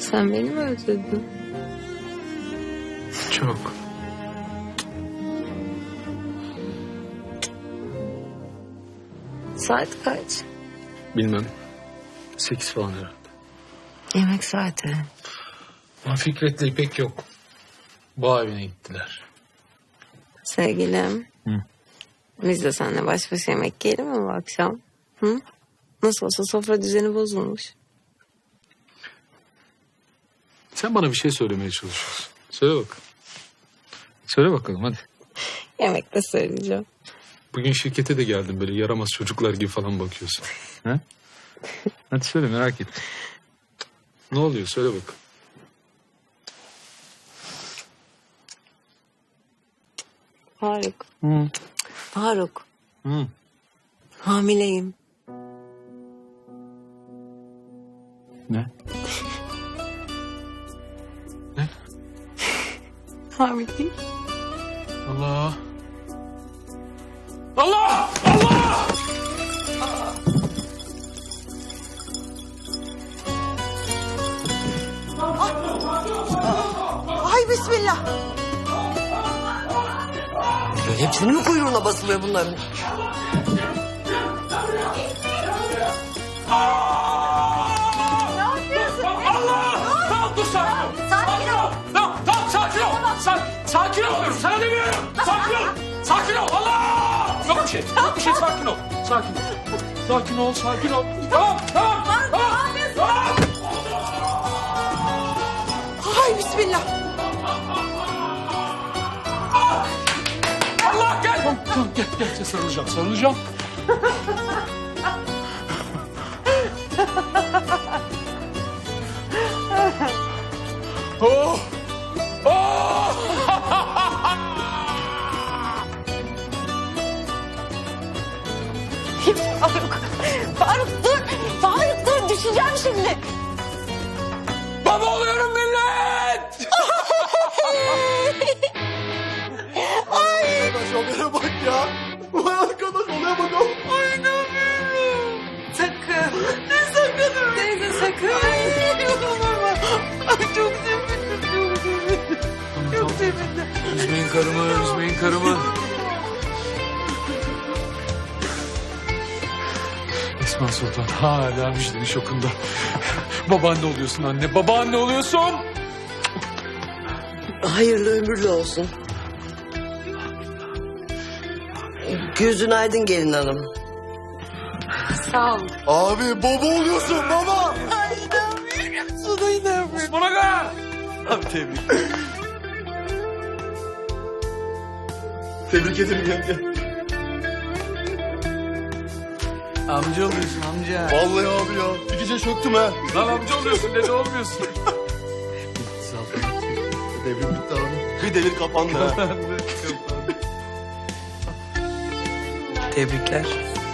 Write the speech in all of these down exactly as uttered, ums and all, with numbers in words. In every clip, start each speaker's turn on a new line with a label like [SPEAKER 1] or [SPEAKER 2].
[SPEAKER 1] Sen beni mi özledin?
[SPEAKER 2] Çok.
[SPEAKER 1] Saat kaç?
[SPEAKER 2] Bilmem. Sekiz falan herhalde.
[SPEAKER 1] Yemek saati.
[SPEAKER 2] Ama Fikret'le İpek yok. Bağ evine gittiler.
[SPEAKER 1] Sevgilim.
[SPEAKER 2] Hı.
[SPEAKER 1] Biz de seninle baş başa yemek yiyelim mi bu akşam? Hı? Nasıl olsa sofra düzeni bozulmuş.
[SPEAKER 2] Sen bana bir şey söylemeye çalışıyorsun. Söyle bakalım. Söyle bakalım hadi.
[SPEAKER 1] Yemekte söyleyeceğim.
[SPEAKER 2] Bugün şirkete de geldin, böyle yaramaz çocuklar gibi falan bakıyorsun. Ha? Hadi söyle, merak ettim. Ne oluyor, söyle bakalım.
[SPEAKER 1] Faruk.
[SPEAKER 2] Hı.
[SPEAKER 1] Faruk.
[SPEAKER 2] Hı.
[SPEAKER 1] Hamileyim.
[SPEAKER 2] Ne? Ne?
[SPEAKER 1] Hamileyim.
[SPEAKER 2] Allah. Allah! Allah!
[SPEAKER 3] Ay bismillah. Hepsinin mi kuyruğuna basılıyor bunların?
[SPEAKER 4] Ne yapıyorsun? Allah! Tamam dur sakin ol. Sakin ol. Tamam tamam sakin ol. Sakin, sakin ol diyorum. Sana demiyorum. Sakin ol. Sakin ol. Allah! Yok bir şey. Yok bir şey. Sakin ol. Sakin ol. Sakin ol. Sakin ol. Tamam tamam. Tamam. Tamam.
[SPEAKER 3] Ay bismillah.
[SPEAKER 4] Allah gel. Tamam tamam gel gel. Sarılacağım. Sarılacağım. Oh! Oh!
[SPEAKER 3] Faruk. Faruk dur. Faruk dur düşeceğim şimdi.
[SPEAKER 4] Baba oluyorum millet!
[SPEAKER 5] Arkadaş olaya bak ya. Vay arkadaş olaya bakalım.
[SPEAKER 3] Ay inanmıyorum. Sakın. Ne sakın? Teyze sakın. Ay inanamam. Ay çok sevindim. Çok sevindim. Çok sevindim.
[SPEAKER 2] Üzmeyin karımı, üzmeyin karımı. Esma Sultan hala müjdenin şokunda. Babaanne oluyorsun anne, babaanne oluyorsun.
[SPEAKER 3] Hayırlı ömürlü olsun. Gözün aydın gelin hanım.
[SPEAKER 1] Sağ ol.
[SPEAKER 5] Abi baba oluyorsun baba.
[SPEAKER 3] Ay inanmıyorum. Sana inanmıyorum.
[SPEAKER 4] Bana gel!
[SPEAKER 5] Abi tebrik. Tebrik ederim yenge.
[SPEAKER 2] Amca oluyorsun amca.
[SPEAKER 5] Vallahi abi ya. İkice çöktüm ha.
[SPEAKER 2] Lan amca oluyorsun, dede olmuyorsun.
[SPEAKER 5] Devrim bitti abi. Bir devir kapandı ha.
[SPEAKER 3] Tebrikler.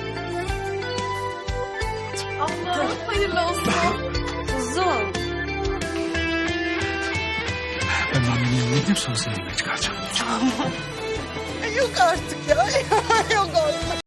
[SPEAKER 1] Kuzum.
[SPEAKER 2] Ben annemin yanına gideyim, sonra seni yemeğe çıkaracağım.
[SPEAKER 3] Yok artık ya. Yok artık.